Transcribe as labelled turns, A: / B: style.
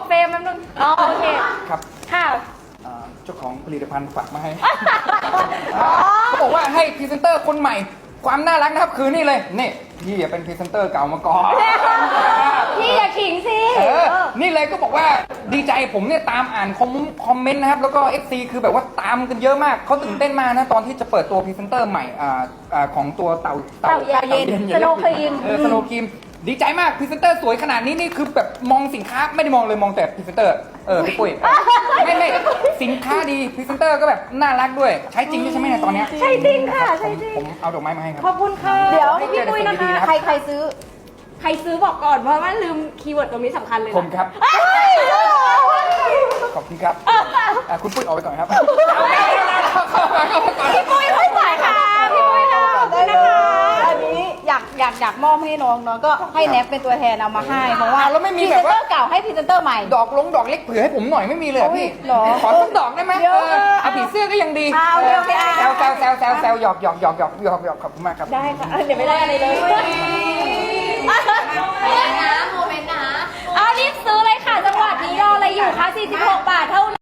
A: เฟรมแป๊บนึงอ๋อโอเค
B: ครับ
A: ค่ะ
B: เจ้าของผลิตภัณฑ์ฝากมาให้เขาบอกว่าให้พรีเซนเตอร์คนใหม่ ความน่ารักนะครับคือนี่เลยนี่พี่เป็นพรีเซนเตอร์เก่ามาก่อน
A: พี่อย่าขิงสิ
B: นี่เลยก็บอกว่าดีใจผมเนี่ยตามอ่านคอมเมนต์นะครับแล้วก็ FC คือแบบว่าตามกันเยอะมากเขาตื่นเต้นมากนะตอนที่จะเปิดตัวพรีเซนเตอร์ใหม่ของตัวเเต่ายาเย็น
A: สโนว์ครีม
B: สโนว์ครีมดีใจมากพรีเซนเตอร์สวยขนาดนี้นี่คือแบบมองสินค้าไม่ได้มองเลยมองแต่พรีเซนเตอร์พี่ปุ้ยไม่สินค้าดีพรีเซนเตอร์ก็แบบน่ารักด้วยใช้จริงด้วยใช่ไหมเนี่ยตอนเนี้ย
A: ใช่จริงค่ะใช่จริง
B: ผมเอาดอกไม้มาให้ครับ
A: ขอบคุณค่ะ
C: เดี๋ยว
B: ให้
C: พี่
B: เจอแต่
C: ปุ้ย
B: สิ่ง
C: นะคะ
B: ดีๆนะครับ
C: ใครซื้อ
A: ใครซื้อบอกก่อนเพราะว่าลืมคีย์เวิร์ดตรงนี้สำคัญเลยนะ
B: ผมครับ ขอบคุณครับคุณปุ้ยออกไปก่อนครับ
A: พี่ปุ้ยค่อยจ่ายค่ะพี่ปุ้ยค่ะขอบคุณนะคะ
C: อันนี้อยากมอบให้น้องก็ให้แนบเป็นตัวแทนเอามาให้เพราะว่า
B: แล้วไม่มี
C: พรี
B: แบ
C: เซ
B: บ
C: น
B: ว่า
C: เตอร์เก่าให้พรีเซนเตอร์ใหม่
B: ดอกเล็กเผื่อให้ผมหน่อยไม่มีเลยอะพี่
C: โอ้ยเหรอ
B: ขอสักดอกได้ไหม
C: เดี๋ยว
B: เอาผีเสื้อก็ยังดี
C: โอเคโอเค
B: แซวหยอกขอบคุณมากครับ
C: ได้ค่ะเดี๋ยวไม่ได้อะไรเลย
A: เอารีบซื้อเลยค่ะจังหวัดนี้รออะไรอยู่คะ46 บาทเท่า